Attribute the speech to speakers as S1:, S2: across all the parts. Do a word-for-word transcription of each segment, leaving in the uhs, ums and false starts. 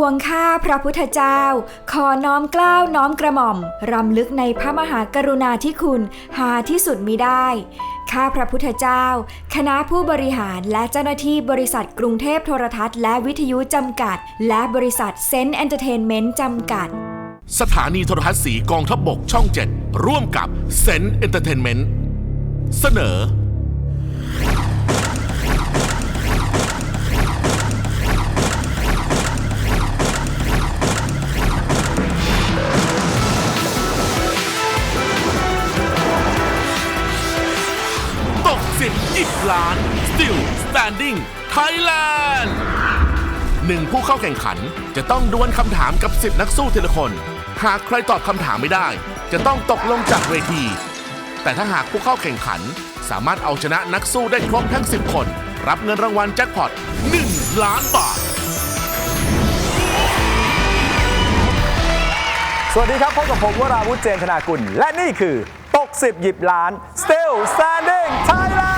S1: วงข้าพระพุทธเจ้าขอน้อมเกล้าน้อมกระหม่อมรำลึกในพระมหากรุณาธิคุณหาที่สุดมิได้ข้าพระพุทธเจ้าคณะผู้บริหารและเจ้าหน้าที่บริษัทกรุงเทพโทรทัศน์และวิทยุจำกัดและบริษัทเซนต์เอนเตอร์เทนเมนต์จำกัด
S2: สถานีโทรทัศน์สีกองทัพบกช่องเจ็ดร่วมกับเซนต์เอนเตอร์เทนเมนต์เสนอตกสิบหยิบล้าน Still Standing Thailand หนึ่งผู้เข้าแข่งขันจะต้องดวลคำถามกับสิบนักสู้ทีละคนหากใครตอบคำถามไม่ได้จะต้องตกลงจากเวทีแต่ถ้าหากผู้เข้าแข่งขันสามารถเอาชนะนักสู้ได้ครบทั้งสิบคนรับเงินรางวัลแจ็คพอตหนึ่งล้านบาท
S3: สวัสดีครับพบกับผมวราวุฒิเจนธนากุลและนี่คือตกสิบหยิบล้าน Still Standing Thailand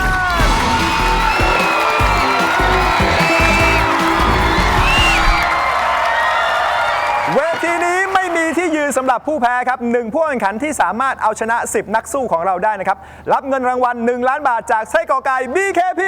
S3: เวทีนี้ไม่มีที่ยืนสำหรับผู้แพ้ครับหนึ่งผู้แข่งขันที่สามารถเอาชนะสิบนักสู้ของเราได้นะครับรับเงินรางวัลหนึ่งล้านบาทจากไส้กรอกไก่ บี เค พี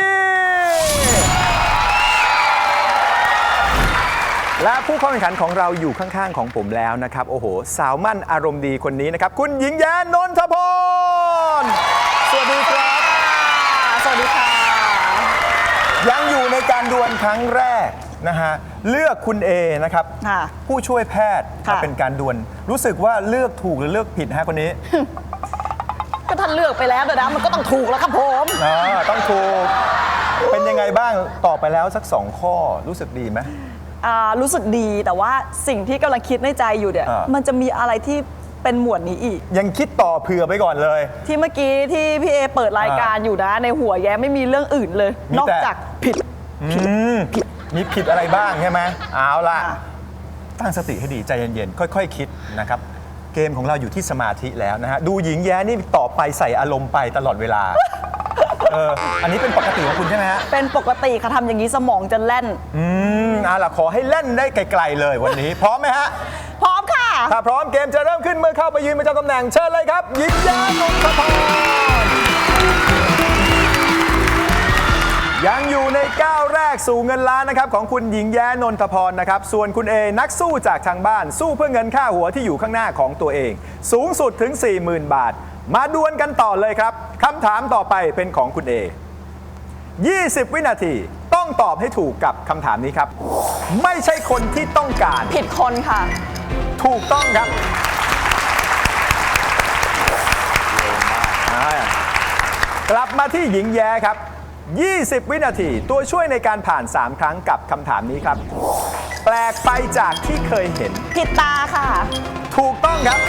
S3: และผู้เข้าแข่งขันของเราอยู่ข้างๆของผมแล้วนะครับโอ้โหสาวมั่นอารมณ์ดีคนนี้นะครับคุณหญิงแย้นนทพรสวัสดีครับ
S4: สวัสดีค่ะ
S3: ยังอยู่ในการดวลครั้งแรกนะฮะเลือกคุณเอนะครับผู้ช่วยแพทย์มาเป็นการดวลรู้สึกว่าเลือกถูกหรือเลือกผิดฮะคนนี้
S4: ก็ท่านเลือกไปแล้วนะมันก็ต้องถูกแล้วครับผม
S3: อ๋อต้องถูกเป็นยังไงบ้างตอบไปแล้วสักสองข้อรู้สึกดีไหม
S4: รู้สึกดีแต่ว่าสิ่งที่กำลังคิดในใจอยู่เนี่ยมันจะมีอะไรที่เป็นหมวดนี้อีก
S3: ยังคิดต่อเผื่อไปก่อนเลย
S4: ที่เมื่อกี้ที่พี่เอเปิดรายการอยู่นะในหัวแย้ไม่มีเรื่องอื่นเลยนอกจากผิด
S3: ผิดผิดมีผิดอะไรบ้างใช่ไหมเอาล่ะตั้งสติให้ดีใจเย็นๆค่อยๆ ค, คิดนะครับเกมของเราอยู่ที่สมาธิแล้วนะฮะดูหญิงแย้นี่ต่อไปใส่อารมณ์ไปตลอดเวลาเอออันนี้เป็นปกติของคุณใช่ไหมฮะ
S4: เป็นปกติค่ะทำอย่างนี้สมองจะแล่น
S3: อืมเอาล่ะขอให้เล่นได้ไกลๆเลยวันนี้พร้อมไหมฮะ
S4: พร้อมค่ะ
S3: ถ้าพร้อมเกมจะเริ่มขึ้นเมื่อเข้าไปยืนประจำตำแหน่งเชิญเลยครับหญิงแย้นนทพรยังอยู่ในก้าวแรกสู่เงินล้านนะครับของคุณหญิงแย้นนทพรนะครับส่วนคุณเอนักสู้จากทางบ้านสู้เพื่อเงินค่าหัวที่อยู่ข้างหน้าของตัวเองสูงสุดถึง สี่หมื่น บาทมาดวลกันต่อเลยครับคำถามต่อไปเป็นของคุณเอยี่สิบวินาทีต้องตอบให้ถูกกับคำถามนี้ครับไม่ใช่คนที่ต้องการ
S4: ผิดคนค่ะ
S3: ถูกต้องครับกลับมาที่หญิงแย้ครับยี่สิบวินาทีตัวช่วยในการผ่านสามครั้งกับคำถามนี้ครับแปลกไปจากที่เคยเห็น
S4: ผิดตาค่ะ
S3: ถูกต้องครับ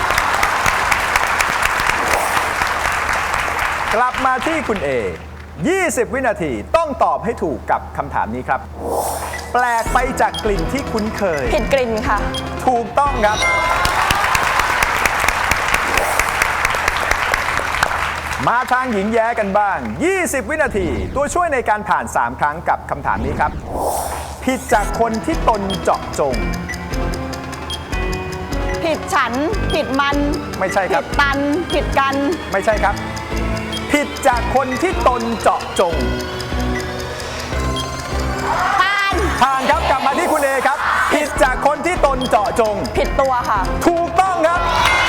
S3: กลับมาที่คุณเอยี่สิบวินาทีต้องตอบให้ถูกกับคำถามนี้ครับแปลกไปจากกลิ่นที่คุ้นเคย
S4: ผิดกลิ่นค่ะ
S3: ถูกต้องครับมาทางหญิงแย้กันบ้างยี่สิบวินาทีตัวช่วยในการผ่านสามครั้งกับคำถามนี้ครับผิดจากคนที่ตนเจาะจง
S4: ผิดฉันผิดมัน
S3: ไม่ใช่ครับ
S4: ผิดตันผิดกัน
S3: ไม่ใช่ครับผิดจากคนที่ตนเจาะจง
S4: ผ่าน
S3: ผ่านครับกลับมาที่คุณเอครับผิดจากคนที่ตนเจาะจง
S4: ผิดตัวค่ะ
S3: ถูกต้องครับ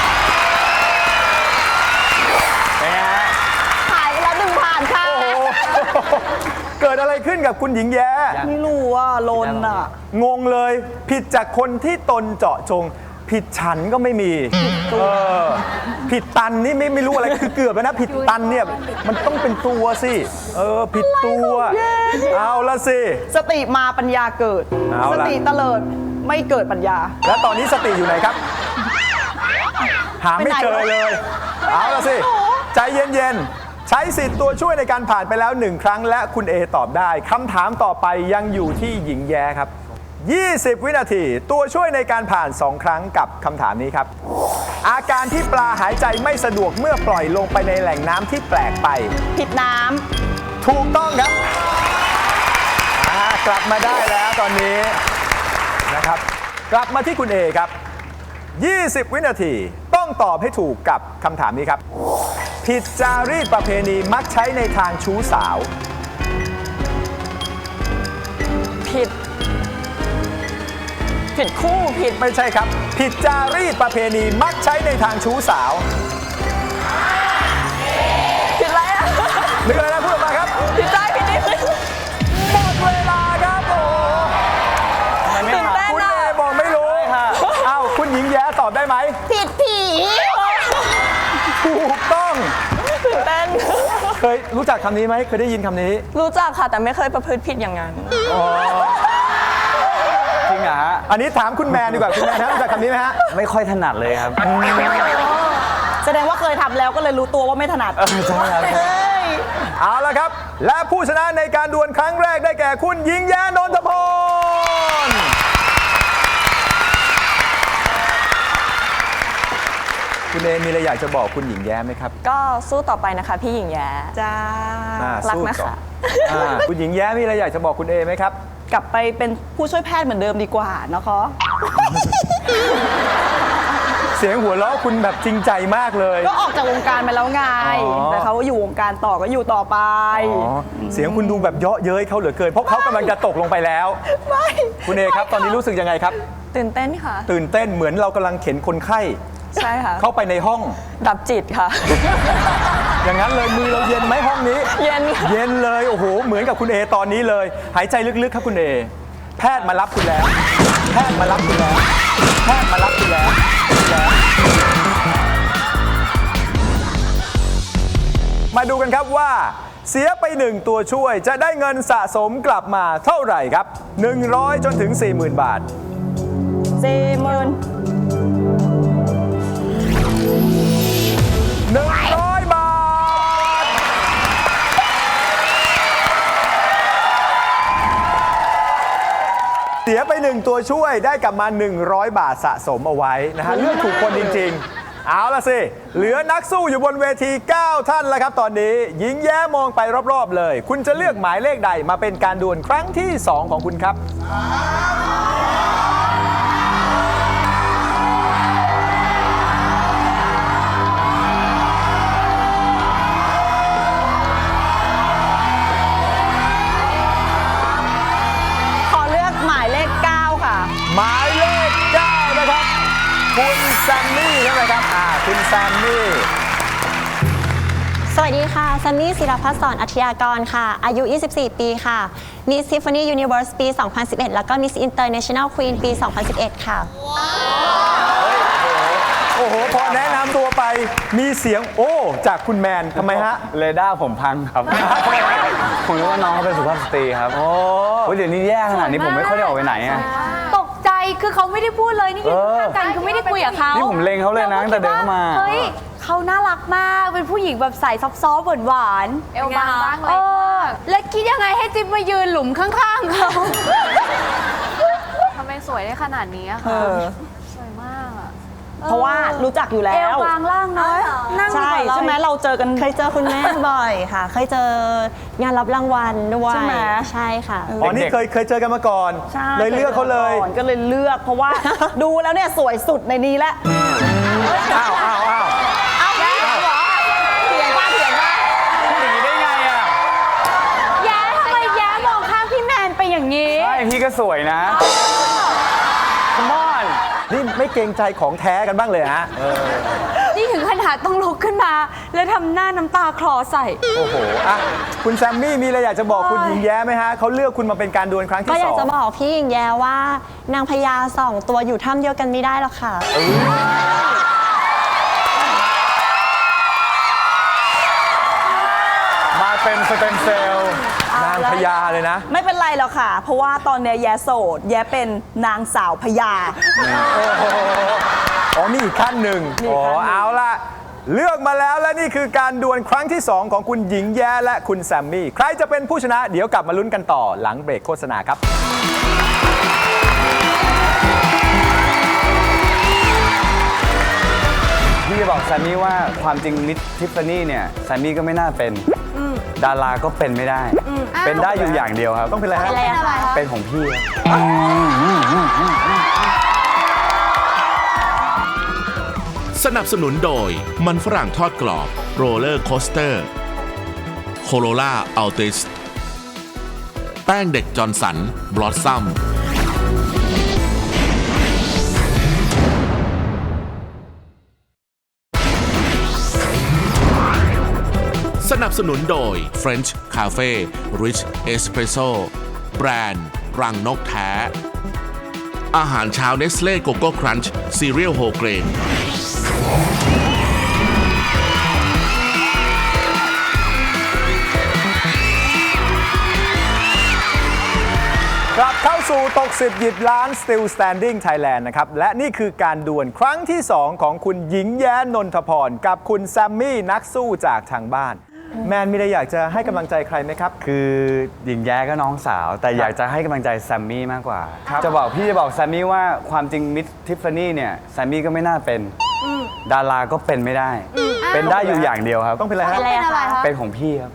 S4: หายไปแล้วหนึ่งผ่านค่ะ
S3: โอ้โหเกิดอะไรขึ้นกับคุณหญิงแย้
S4: ไม่รู้ว่าลนอ่ะ
S3: งงเลยผิดจากคนที่ตนเจาะจงผิดฉันก็ไม่มีเออผิดตันนี่ไม่ไม่รู้อะไรคือเกือบแล้วนะผิดตันเนี่ยมันต้องเป็นตัวสิเออผิดตัวเอาละสิ
S4: สติมาปัญญาเกิดสติเตลิดไม่เกิดปัญญา
S3: แล้วตอนนี้สติอยู่ไหนครับหาไม่เจอเลยเอาละสิใจเย็นๆใช้สิทธิ์ตัวช่วยในการผ่านไปแล้วหนึ่งครั้งและคุณเอตอบได้คำถามต่อไปยังอยู่ที่หญิงแย้ครับยี่สิบวินาทีตัวช่วยในการผ่านสองครั้งกับคำถามนี้ครับอาการที่ปลาหายใจไม่สะดวกเมื่อปล่อยลงไปในแหล่งน้ำที่แปลกไป
S4: ผิดน้
S3: ำถูกต้องครับกลับมาได้แล้วตอนนี้นะครับ กลับมาที่คุณเอครับ ยี่สิบ วินาทีต้องตอบให้ถูกกับคำถามนี้ครับ ผิดจารีตประเพณีมักใช้ในทางชู้สาว
S4: ผิด ผิดคู่ผิด
S3: ไม่ใช่ครับ ผิดจารีตประเพณีมักใช้ในทางชู้สาว
S4: ผิดอะไรอ่ะ
S3: นึกอะไรนะพูดออกมาครับ
S4: ผิดใจผิดนิดนึง
S3: หมดเวลาครับโอ้
S4: ตื่นเต้น
S3: คุณ
S4: อ่ะ
S3: เอบอกไม่รู้เอ้าคุณหญิงแย้ตอบได้ไหม
S4: ผิดผี
S3: ถูกต้อง
S4: ตื่นเต้น
S3: เคยรู้จักคำนี้ไหมเคยได้ยินคำนี้
S4: รู้จักค่ะแต่ไม่เคยประพฤติผิดอย่างนั้น
S5: จริงเหรอฮะ
S3: อันนี้ถามคุณแมนดีกว่าคุณแมนนะรู้จักคำนี้ไหมฮะ
S5: ไม่ค่อยถนัดเลยครับ
S4: แสดงว่าเคยทำแล้วก็เลยรู้ตัวว่าไม่ถนัด
S5: เออใช่ครับ
S4: เฮ้ย
S3: เอาละครับ และผู้ชนะในการดวลครั้งแรกได้แก่คุณหญิงแย้นนทพร คุณเอมีอะไรอยากจะบอกคุณหญิงแย้ไหมครับ
S4: ก็สู้ต่อไปนะคะพี่หญิงแย้จ้า
S3: อ่า
S4: รัก
S3: สู้
S4: นะ
S3: ต่อ
S4: คะ
S3: อ่าคุณหญิงแย้มีอะไรอยากจะบอกคุณเอไหมครับ
S4: กลับไปเป็นผู้ช่วยแพทย์เหมือนเดิมดีกว่านะคะ
S3: เสียงหัวเราะคุณแบบจริงใจมากเลย
S4: ก็ออกจากวงการไปแล้วไง
S3: อ๋อ
S4: แต่เขาอยู่วงการต่อก็อยู่ต่อไป
S3: อ๋อเสียงคุณดูแบบเยาะเย้ยเขาเหลือเกิน เพราะเขากำลังจะตกลงไปแล้ว
S4: ไม่
S3: คุณเอครับ ตอนนี้รู้สึกยังไงครับ
S4: ตื่นเต้นค่ะ
S3: ตื่นเต้นเหมือนเรากำลังเข็นคนไข้
S4: ใช่ค่ะ
S3: เข้าไปในห้อง
S4: ดับจิตค่ะ
S3: อย่างนั้นเลยมือเราเย็นไหมห้องนี้
S4: เย็นค่ะ
S3: เย็นเลยโอ้โหเหมือนกับคุณเอตอนนี้เลย หายใจลึกๆครับคุณเอแพทย์มารับคุณแล้ว แพทย์มารับคุณแล้ว แพทย์มารับคุณแล้วแล้วมาดูกันครับว่าเสียไปหนึ่งตัวช่วยจะได้เงินสะสมกลับมาเท่าไหร่ครับ หนึ่งร้อย จนถึง สี่หมื่น บาท
S4: สี่หมื่น
S3: หนึ่งร้อย บาท เสียไปหนึ่งตัวช่วยได้กลับมา หนึ่งร้อย บาทสะสมเอาไว้นะฮะเลือกถูกคนจริงๆ เอาละสิ เหลือนักสู้อยู่บนเวที เก้า ท่านแล้วครับตอนนี้หญิงแย้มองไปรอบๆเลย คุณจะเลือกหมายเลขใดมาเป็นการดวลครั้งที่ สอง ของคุณครับ
S4: ขอเลือกหมายเลขเก้าค่ะ
S3: หมายเลข เก้า นะครับ คุณแซมมี่ใช่ไหมครับอ่าคุณแซมมี่
S6: สวัสดีค่ะซันนี่ศิรพัฒน์สอนอัธยากรค่ะ อายุ ยี่สิบสี่ ปีค่ะ Miss Tiffany Universe ปี สองพันสิบเอ็ด แล้วก็ Miss International Queen ปี สองพันสิบเอ็ด ค่ะ
S3: โอ้โห พอแนะนำตัวไปมีเสียงโอ้จากคุณแมนทำไมฮะ
S5: เรดาร์ผมพังครับ ผมรู้ว่าน้องเขาเป็นสุภาพสตรีครับ โอ้ยเดี๋ยวนี้แย่ขนาดนี้ผมไม่ค่อยได้ออกไปไหนอะ
S7: ตกใจคือเขาไม่ได้พูดเลยนี่ยืน
S5: เออ
S7: ข้างๆกันคือไม่ได้คุยกับเขา
S5: นี่ผมเล็งเขาเลยนะตั้งแต่เดินเข้ามา
S7: เฮ้ยเขาน่ารักมากเป็นผู้หญิงแบบใส่ซอฟต์ๆหวานๆ
S8: เอวบางบ้าง
S7: เออแล้วคิดยังไงให้จิ๊บมายืนหลุมข้างๆเขา
S8: ทำไมสวยได้ขนาดนี้อะ
S4: เอ
S8: คะ
S4: อ
S8: สวยมากอะ
S4: เพราะว่ารู้จักอยู่แล้
S7: เอว
S4: ว
S7: บางล่างน้อยนั่ง
S4: ใช่
S7: ดีกว่า
S4: ใช่ไหมเราเจอกัน
S6: เคยเจอคุณแม่บ่อยค่ะ เคยเจองานรับรางวัลด้วย
S4: ใช่ไหม
S6: ใช่ค่ะ
S3: อ๋อ นี่เคยเคยเจอกันมาก่อน
S4: ใช่
S3: เลยเลือกเขาเลย
S4: ก่อนก็เลยเลือกเพราะว่า ดูแล้วเนี่ยสวยสุดในนี้แล้ว
S3: อ้าวอ้าวอ้าว
S4: เอาแย่เหรอเถียงป้าเถียงป้า
S5: พูดอย่างนี้ได้ไงอะ
S7: แย้ทำไมแย้มองข้ามพี่แมนไปอย่างนี้
S5: ใช่พี่ก็สวยนะ Come on
S3: นี่ไม่เกรงใจของแท้กันบ้างเลยฮะ
S7: นี่ถึงขนาดต้องลุกขึ้นมา แล้วทำหน้าน้ำตาคลอใส่
S3: โอ้โหอ่ะคุณแซมมี่มีอะไรอยากจะบอกคุณหญิงแย้ไหมฮะเขาเลือกคุณมาเป็นการดวลครั้ง
S6: ก็
S3: ที่
S6: อ
S3: ส
S6: ยาก
S3: อง
S6: จะบอกพี่หญิงแย้ว่านางพญาสองตัวอยู่ถ้ำเดียวกันไม่ได้หรอกค่ะ
S5: มาเป็นสเต็มเซลล์
S3: นางพญาเลยนะ
S4: ไม่เป็นไรหรอกค่ะ เพราะว่าตอนเนี้ยแย่โสด แย่เป็นนางสาวพญา
S3: อ๋อมีอีกขั้นหนึ่ง
S4: มีอี
S3: อ๋
S4: ก
S3: อ
S4: ขั้นหนึ่ง
S3: เอาล่ะ เลือกมาแล้วและนี่คือการดวลครั้งที่ สอง ของคุณหญิงแย้และคุณแซมมี่ ใครจะเป็นผู้ชนะเดี๋ยวกลับมาลุ้นกันต่อหลังเบรกโฆษณาครับ
S5: พี่จะบอกแซมมี่ว่าความจริงมิสทิฟฟานี่เนี่ยแซมมี่ก็ไม่น่าเป็นดาราก็เป็นไม่ได้ เป็นได้อยู่อย่างเดียวครับ
S3: ต้องเป็นอะไรฮะ
S6: อะไรอะคะ
S5: เป็นของพี่ครับ
S2: สนับสนุนโดยมันฝรั่งทอดกรอบโรลเลอร์โคสเตอร์โคโรล่าอัลติสแป้งเด็กจอร์นสันบลอสซัมสนับสนุนโดย French Cafe Rich Espresso แบรนด์รังนกแท้ อาหารเช้าเนสเล่โกโก้ครันช์ซีเรียลโฮเกรน
S3: กลับเข้าสู่ตกสิบหยิบล้าน Still Standing Thailand นะครับ และนี่คือการดวลครั้งที่ สอง ของคุณหญิงแย้นนทพร กับคุณแซมมี่นักสู้จากทางบ้าน แมนมีอะไรอยากจะให้กำลังใจใครไหมครับ
S5: คือหญิงแย้ก็น้องสาว แต่อยากจะให้กำลังใจแซมมี่มากกว่า จะบอกพี่จะบอกแซมมี่ว่าความจริงมิสทิฟฟานี่เนี่ยแซมมี่ก็ไม่น่าเป็นดาราก็เป็นไม่ได้ เป็นได้อยู่อย่างเดียวครับ
S3: ต้องเป็นอะไรฮะ
S6: อะไรอะคะ
S5: เป็นของพี่ครับ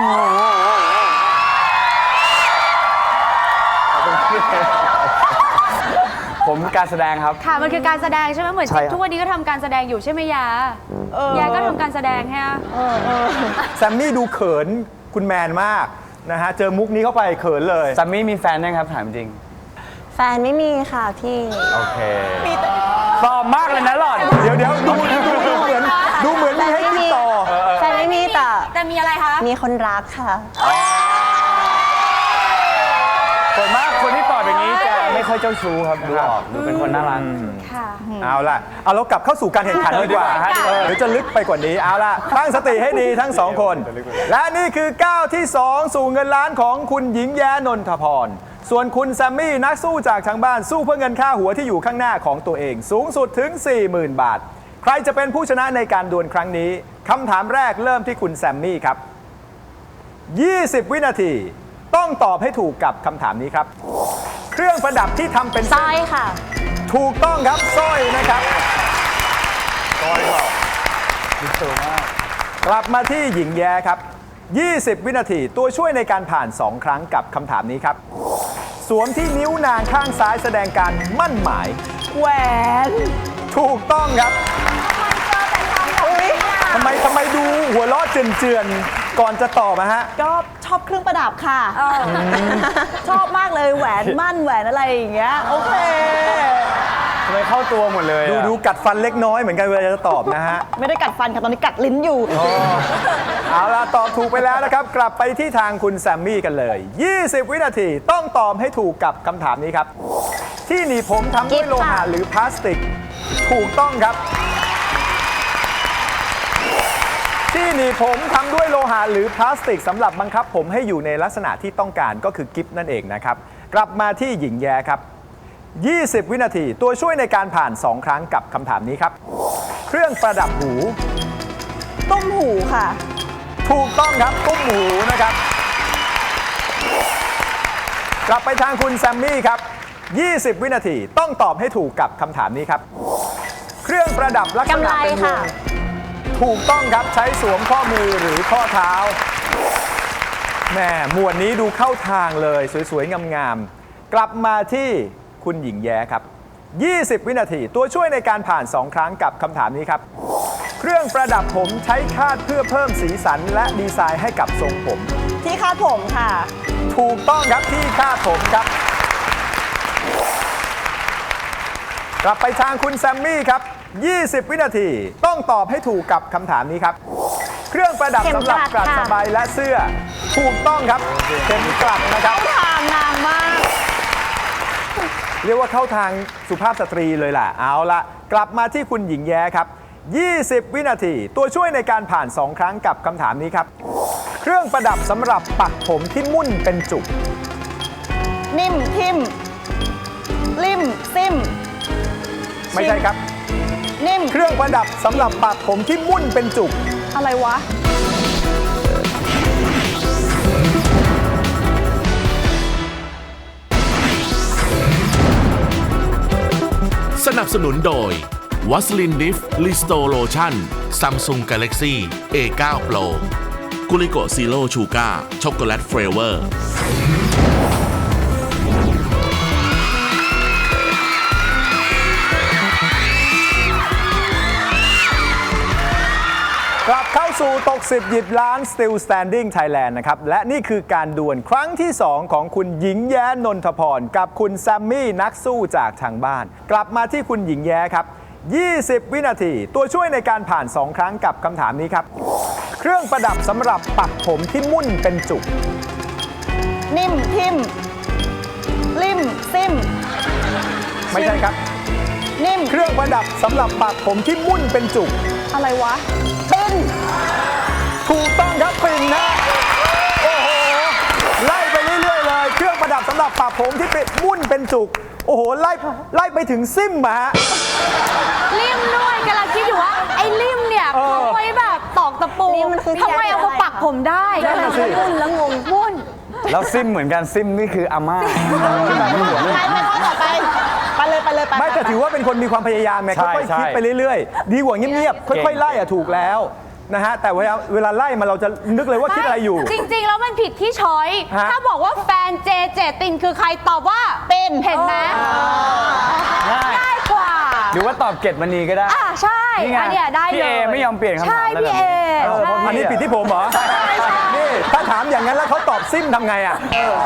S5: ผมการแสดงครับ
S7: ค่ะ มันคือการแสดงใช่ไหมเหมือน
S5: ใช่ครับ
S7: ทุกวันนี้ก็ทำการแสดงอยู่ใช่ไหมยา ยาก็ทำการแสดงฮะ
S3: แซมมี่ดูเขินคุณแมนมากนะฮะ เจอมุกนี้เข้าไปเขินเลย
S5: แซมมี่มีแฟนยังครับถามจริง
S6: แฟนไม่มีค่ะพี่
S5: โอเคตอบมากเลยนะหล่อน
S3: เดี๋ยวเดี๋ยวดูดูดูเหมือนดูเหมือนมีให้คิดต่อ
S6: แฟนไม่มีแต่
S7: แต่มีอะไรคะ
S6: มีคนรักค่ะ
S5: ส่วนมากคนที่ตอบอย่างนี้จะไม่ค่อยเจ้าชู้ครับดูออกดูเป็นคนน่ารัก
S7: ค่ะ
S3: เอาล่ะ เอาเรากลับเข้าสู่การแข่งขันดีกว่า
S5: เออดีกว่าฮะ
S3: เออเดี๋ยวจะลึกไปกว่านี้ เอาล่ะ ตั้งสติให้ดีทั้งสองคน และนี่คือก้าวที่ สอง สู่เงินล้านของคุณหญิงแย้นนทพร ส่วนคุณแซมมี่นักสู้จากทางบ้านสู้เพื่อเงินค่าหัวที่อยู่ข้างหน้าของตัวเอง สูงสุดถึง สี่หมื่น บาท ใครจะเป็นผู้ชนะในการดวลครั้งนี้คำถามแรกเริ่มที่คุณแซมมี่ครับ ยี่สิบ วินาที ต้องตอบให้ถูกกับคำถามนี้ครับ เครื่องประดับที่ทำเป็น
S6: สร้อยค่ะ
S3: ถูกต้องครับสร้อยนะครับสร้อยหรอมิเตอร์มากกลับมาที่หญิงแย้ครับ ยี่สิบ วินาทีตัวช่วยในการผ่าน สอง ครั้งกับคำถามนี้ครับ สวมที่นิ้วนางข้างซ้ายแสดงการมั่นหมาย
S4: แหวน
S3: ถูกต้องครับทำไมทำไมดูหัวล้อเจือนๆ ก่อนจะตอบนะฮะ
S4: ก็ชอบเครื่องประดับค่ะชอบมากเลยแหวนมั่นแหวนอะไรอย่างเงี้ย โอเค
S5: ทำไมเข้าตัวหมดเลย
S3: ดู
S5: อะ
S3: ดูกัดฟันเล็กน้อยเหมือนกันเวลาจะตอบนะฮะ
S4: ไม่ได้กัดฟันค่ะ ตอนนี้กัดลิ้นอยู่
S3: เอาล่ะ ตอบถูกไปแล้วนะครับ กลับไปที่ทางคุณแซมมี่กันเลย ยี่สิบ วินาทีต้องตอบให้ถูกกับคำถามนี้ครับ ที่หนีบผมทำด้วยโลหะหรือพลาสติก ถูกต้องครับ ที่หนีบผมทำด้วยโลหะหรือพลาสติกสำหรับบังคับผมให้อยู่ในลักษณะที่ต้องการก็คือกิฟต์นั่นเองนะครับ กลับมาที่หญิงแย้ครับ ยี่สิบ วินาทีตัวช่วยในการผ่าน สอง ครั้งกับคำถามนี้ครับ เครื่องประดับหู
S4: ต้มหูค่ะ
S3: ถูกต้องครับตุ้มหูนะครับ กลับไปทางคุณแซมมี่ครับ ยี่สิบ วินาทีต้องตอบให้ถูกกับคำถามนี้ครับ เครื่องประดับลักษ
S6: กำ
S3: ณะ
S6: ไร
S3: เป็นว
S6: ค่ะ
S3: งถูกต้องครับใช้สวมข้อมือหรือข้อเท้าแหมหมวดนี้ดูเข้าทางเลยสวยๆงามๆกลับมาที่คุณหญิงแย้ครับ ยี่สิบ วินาทีตัวช่วยในการผ่าน สอง ครั้งกับคำถามนี้ครับ เครื่องประดับผมใช้คาดเพื่อเพิ่มสีสันและดีไซน์ให้กับทรงผม
S4: ที่คาดผมค่ะ
S3: ถูกต้องครับที่คาดผมครับ กลับไปทางคุณแซมมี่ครับ ยี่สิบ วินาทีต้องตอบให้ถูกกับคำถามนี้ครับ เครื่องประดับ
S6: เข็ม
S3: สำหรับ
S6: กลัด
S3: กลัด
S6: ค่ะ
S3: สบายและเสื้อ ถูกต้องครับเข็มกลัดนะครับ
S4: ทางนางมาก
S3: เรียกว่าเข้าทางสุภาพสตรีเลยล่ะ เอาละกลับมาที่คุณหญิงแย้ครับ ยี่สิบ วินาทีตัวช่วยในการผ่าน สอง ครั้งกับคำถามนี้ครับ เครื่องประดับสำหรับปักผมที่มุ่นเป็นจุก
S4: นิ่ม ทิม ริม ซิม
S3: ไม่ใช่ครับ
S4: นิ่ม
S3: เครื่องประดับสำหรับปักผมที่มุ่นเป็นจุก
S4: อะไรวะ
S2: สนับสนุนโดยวัสลินดิฟลิสโตโลชั่น Samsung Galaxy เอ ไนน์ Pro กุลิโกซีโร่ชูการ์ช็อกโกแลตเฟลเวอร์
S3: กลับเข้าสู่ตกสิบหยิบล้าน Still Standing Thailand นะครับ และนี่คือการดวลครั้งที่ สอง ของคุณหญิงแย้นนทพรกับคุณแซมมี่นักสู้จากทางบ้าน กลับมาที่คุณหญิงแย้ครับ ยี่สิบ วินาที ตัวช่วยในการผ่าน สอง ครั้งกับคำถามนี้ครับ เครื่องประดับสำหรับปักผมที่มุ่นเป็นจุก
S4: นิ่ม ทิม ริม ซิม
S3: ไม่ใช่ครับ
S4: นิ่ม
S3: เครื่องประดับสำหรับปักผมที่มุ่นเป็นจุก
S4: อะไรวะ เป็น
S3: ถูกต้องครับปิ่นนะโอ้โหไล่ไปเรื่อยๆเลยเครื่องประดับสำหรับปักผมที่เป็นมุ่นเป็นจุก โอ้โหไล่ไล่ไปถึงซิมมาฮะ
S7: ริมด้วยกำลังคิดอยู่ว่า ไอ้ริมเนี่ย
S3: เออ
S7: เขาไว้แบบตอกตะปู
S6: ริมมันคือ
S7: ทำไมเอามาปักผมได้
S3: นั่นน่ะสิ
S7: มุ่นแล้วงงมุ่น
S5: แล้วซิมเหมือนกันซิมนี่คืออาม่าแบบมันหัว
S4: ไปไปข้อต่อไป ไปเลยไปเลยไป
S3: ไม่แต่ถือว่าเป็นคนมีความพยายามไง
S5: ใช่
S3: ค่อยๆ
S5: ใช่
S3: คิดไปเรื่อยๆ ดีกว่าเงียบๆ ค่อยๆ ไล่อะถูกแล้วนะฮะ แต่เวลาเวลาไล่มาเราจะนึกเลยว่าคิดอะไรอยู่
S7: จริง ๆ แล้วมันผิดที่ช้อย
S3: ฮะ
S7: ถ้าบอกว่าแฟนเจเจตินคือใครตอบว่า
S4: เป็น
S7: เห็นไหม
S5: ง่าย
S7: ง่ายกว่า
S5: หรือว่าตอบเกตมณีก็ได้
S7: อ่าใช่
S5: นี่ไง
S7: อันเนี้ยได้เลย
S5: พี่เอไม่ยอมเปลี่ยนคำถาม
S7: ใช่
S5: แล้ว
S7: พี่
S5: แบบ
S7: เอ
S5: นี้
S3: เออเพราะอันนี้ผิดที่ผมเหรอ นี่ถ้าถามอย่างนั้นแล้วเขาตอบซิมทำไงอะ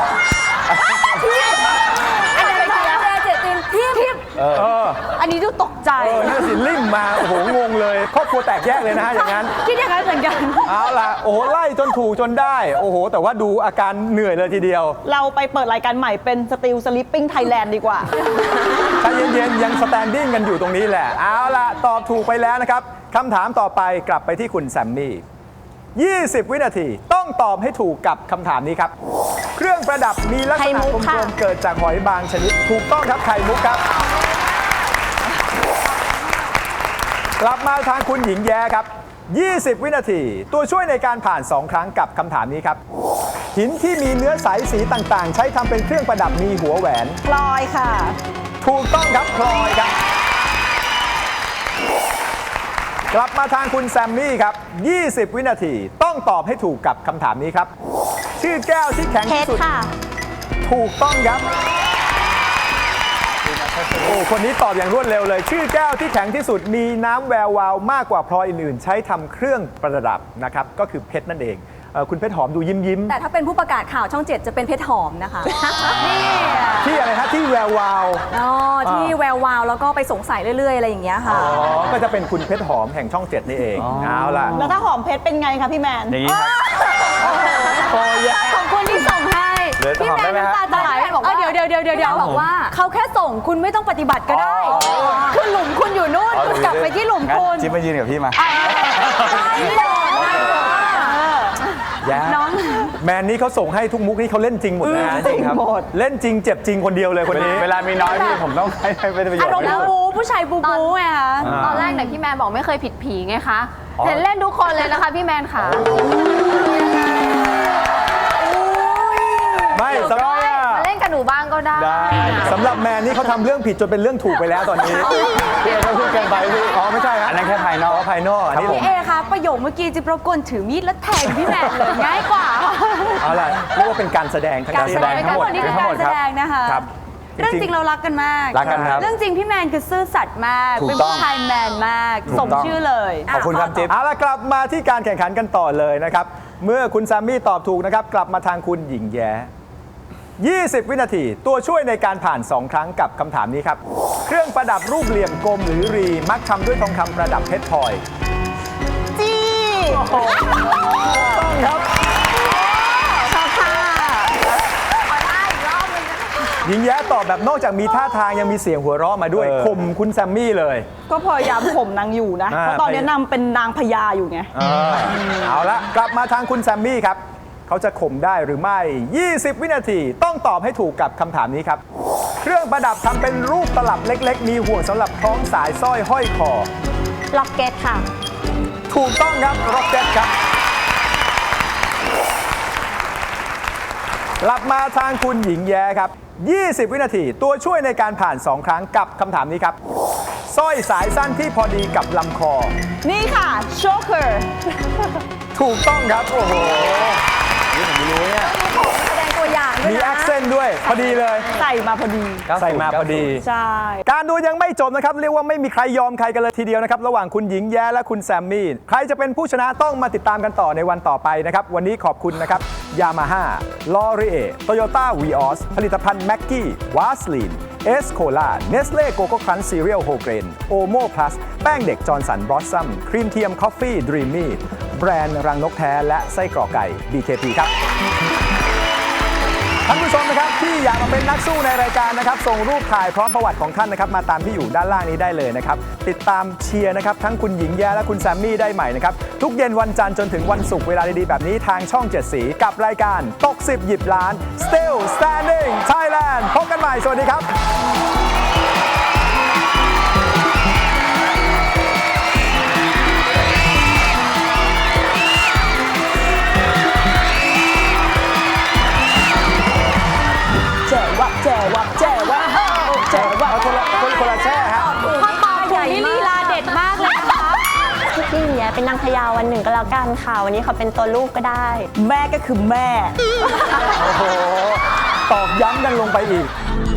S7: อันนี้เจเจตินทิมทิม
S3: เออ
S7: อันนี้ดูตกใจ
S3: เออนี่สิลิ่มมา โอ้โห งงเลยครอบครัวแตกแยกเลยนะฮะอย่างนั้น
S7: คิดอย่างนั้นเหมือนกัน
S3: เอาล่ะ โอ้โห ไล่จนถูกจนได้ โอ้โห แต่ว่าดูอาการเหนื่อยเลยทีเดียว
S4: เราไปเปิดรายการใหม่เป็น Still Sleeping Thailand ดีกว่า
S3: ถ้าเย็นๆ ยังสแตนดิ้งกันอยู่ตรงนี้แหละ เอาล่ะ ตอบถูกไปแล้วนะครับ คำถามต่อไปกลับไปที่คุณแซมมี่ ยี่สิบ วินาที ต้องตอบให้ถูกกับคำถามนี้ครับ เครื่องประดับมีลักษ
S6: ไข่
S3: ณะ
S6: มุ
S3: ก
S6: กค่ะ
S3: ลมๆ เกิดจากหอยบางชนิด ถูกต้องครับ ไข่มุกครับ กลับมาทางคุณหญิงแย้ครับ ยี่สิบ วินาที ตัวช่วยในการผ่าน สอง ครั้งกับคำถามนี้ครับ หินที่มีเนื้อใสสีต่างๆ ใช้ทำเป็นเครื่องประดับมีหัวแหวน
S4: พลอยค่ะ
S3: ถูกต้องครับพลอยครับ กลับมาทางคุณแซมมี่ครับ ยี่สิบ วินาที ต้องตอบให้ถูกกับคำถามนี้ครับ ชื่อแก้วที่แข็ง
S6: เพ
S3: ที่
S6: ชร
S3: สุด
S6: ค่ะ
S3: ถูกต้องครับ โอ้คนนี้ตอบอย่างรวดเร็วเลย ชื่อแก้วที่แข็งที่สุดมีน้ำแวววาวมากกว่าพลอยอื่นๆ ใช้ทำเครื่องประดับนะครับ ก็คือเพชรนั่นเองเอ่อคุณเพชรหอมดูยิ้มยิ้ม
S7: แต่ถ้าเป็นผู้ประกาศข่าวช่องเจ็ดจะเป็นเพชรหอมนะคะ นี่
S3: ๆที่อะไรฮะที่แวววาว
S7: อ๋อที่แวววาวแล้วก็ไปสงสัยเรื่อยๆ อะไรอย่างเงี้ยค่ะ
S3: อ๋อ ก็จะเป็นคุณเพชรหอมแห่งช่องเจ็ดนี่เอง เอาล่ะ
S4: แล้วถ้าหอมเพชรเป็นไงคะพี่แมน
S5: อย่างนี้ครับ
S3: พอแยะ
S7: ขอบคุณที่ส่งให้
S5: เหลือ
S7: พี่
S5: หอม
S7: แม
S5: ได้
S7: น
S5: ไหมฮะ
S7: น้ำตาจะไหลบอกว่าเดี๋ยวเดี๋ยวเดี๋ยวเดี๋ยวบอกว่าเขาแค่ส่งคุณไม่ต้องปฏิบัติก็ได้ คือหลุมคุณอยู่นู่น
S5: อ๋อ
S7: คุณกลับไปที่หลุม
S5: งั้น
S7: คุณ
S5: จิ๊บมายืนกับพี่มา
S7: ไม่ได้
S3: แยะ
S7: น้อง
S3: แมนนี้เขาส่งให้ทุกมุกนี่เขาเล่นจริงหมดนะ
S5: จริงครับ
S3: เล่นจริงเจ็บจริงคนเดียวเลยคนนี้
S5: เวลามีน้อยพี่ผมต้องให้ให้เป็นประโยช
S7: อารม
S5: น์
S7: ณ์
S5: ไม่
S7: บู
S5: ได้
S7: บูผู้ชายบูบูไงคะ
S8: ตอนแรกเนี่ยพี่แมนบอกไม่เคยผิดผีไงคะ
S5: อ๋อ
S8: เห็นเล่นทุกคนเลยนะคะพี่แมนค่ะ
S3: ไม่สำหรับ
S8: มาเล่นกับหนูบ้างก็ได้
S5: ได้
S3: สำหรับแมนนี่เขาทำเรื่องผิดจนเป็นเรื่องถูกไปแล้วตอนนี้
S5: พี่เอต้องพูดเกินไปพี่
S3: อ๋อไม่ใช่ฮะ
S5: อันนั้นแค่ภายนอก
S3: ภายนอกอันนี้
S7: พี่เอคะประโยคเมื่อกี้จะประกวนถือมีดแล้วแทงพี่แมนเลยง่ายกว่า
S3: เอาล่ะเรียกว่าเป็นการแสดงทั้ง
S7: การ
S3: สิ้
S7: แส
S3: น
S7: ดงเป็นการคนที่เป็นการแสดงนะคะ
S3: ครับ
S7: เรื่องจริงเรารักกันมาก
S5: รักกันครับ
S7: เรื่องจริงพี่แมนคือซื่อสัตย์มาก
S5: ถูก
S7: เป็น
S5: ต้อง
S7: ผู้ชายแมนมาก
S5: ถูก
S7: สม
S5: ต้อง
S7: ชื่อเลย
S5: ขอบคุณครับจิ๊บ
S3: เอาล่ะกลับมาที่การแข่งขันกันต่อเลยนะครับ เมื่อคุณแซมมี่ตอบถูกนะครับ กลับมาทางคุณหญิงแย้ ยี่สิบ วินาที ตัวช่วยในการผ่าน สอง ครั้งกับคำถามนี้ครับ เครื่องประดับรูปเหลี่ยมกลมหรือรี มักทำด้วยทองคำประดับเพชรพลอย
S4: จี้
S3: ต้องครับ
S7: ชอบค่ะ
S3: หญิงแย้ตอบแบบนอกจากมีท่าทางยังมีเสียงหัวเราะมาด้วย
S5: เออ
S3: ข่มคุณแซมมี่เลย
S4: ก็พยายามข่มนางอยู่นะ
S3: อ่า
S4: เพราะตอนนี้นางเป็นนางพญาอยู่ไง
S3: เออเอาละกลับมาทางคุณแซมมี่ครับ เขาจะข่มได้หรือไม่ ยี่สิบ วินาที ต้องตอบให้ถูกกับคำถามนี้ครับ เครื่องประดับทำเป็นรูปตลับเล็ก ๆ มีห่วงสำหรับคล้องสายสร้อยห้อยคอ
S6: ล็อกเก็ตค่ะ
S3: ถูกต้องครับร็อกเก็ตครับ กลับมาทางคุณหญิงแย้ครับ ยี่สิบ วินาที ตัวช่วยในการผ่าน สอง ครั้งกับคำถามนี้ครับ สร้อยสายสั้นที่พอดีกับลำคอ
S4: นี่ค่ะ โชเกอร์
S3: ถูกต้องครับ โอ้โห
S5: นี่ผมไม่รู้เนี่ย
S7: แสดงตัวอย่างด้วย
S3: มี
S7: นะ
S3: แอคเซนต์ด้วย พอดีเลย
S4: ใส่มาพอดี
S3: ใส่มาพอดี
S4: ใช่
S3: การดูยังไม่จบนะครับ เรียกว่าไม่มีใครยอมใครกันเลยทีเดียวนะครับ ระหว่างคุณหญิงแย้และคุณแซมมี่ ใครจะเป็นผู้ชนะต้องมาติดตามกันต่อในวันต่อไปนะครับ วันนี้ขอบคุณนะครับ ยามาฮ่า ลอรีเอ โตโยต้าวีออส ผลิตภัณฑ์แม็กกี้ วาสลีน เอสโคลา เนสเล่โกโก้ครันช์ซีเรียลโฮเกรน โอโมพลัส แป้งเด็กจอร์นสันบลอสซัม ครีมเทียมคอฟฟี่ดรีมมี่ แบรนด์รังนกแท้และไส้กรอกไก่ บี เค พี ครับ ท่านผู้ชมนะครับที่อยากมาเป็นนักสู้ในรายการนะครับส่งรูปถ่ายพร้อมประวัติของท่านนะครับมาตามที่อยู่ด้านล่างนี้ได้เลยนะครับติดตามเชียร์นะครับทั้งคุณหญิงแย้และคุณแซมมี่ได้ใหม่นะครับทุกเย็นวันจันทร์จนถึงวันศุกร์เวลาดีๆแบบนี้ทางช่องเจ็ดสีกับรายการตกสิบหยิบล้าน Still Standing Thailand พบกันใหม่สวัสดีครับ
S4: แจ๋วะแจ๋วะแจ๋วะแจ๋วะ
S3: เอาคนละคนคนละแช่ฮะ
S7: ข้อตอบถูกนี่ลีลาเด็ดมากเลยนะคะ
S6: พี่หญิงแย้เป็นนางพญาวันหนึ่งก็แล้วกันค่ะ วันนี้เขาเป็นตัวลูกก็ได้
S4: แม่ก็คือแม่
S3: โอ้โหตอกย้ำกันลงไปอีก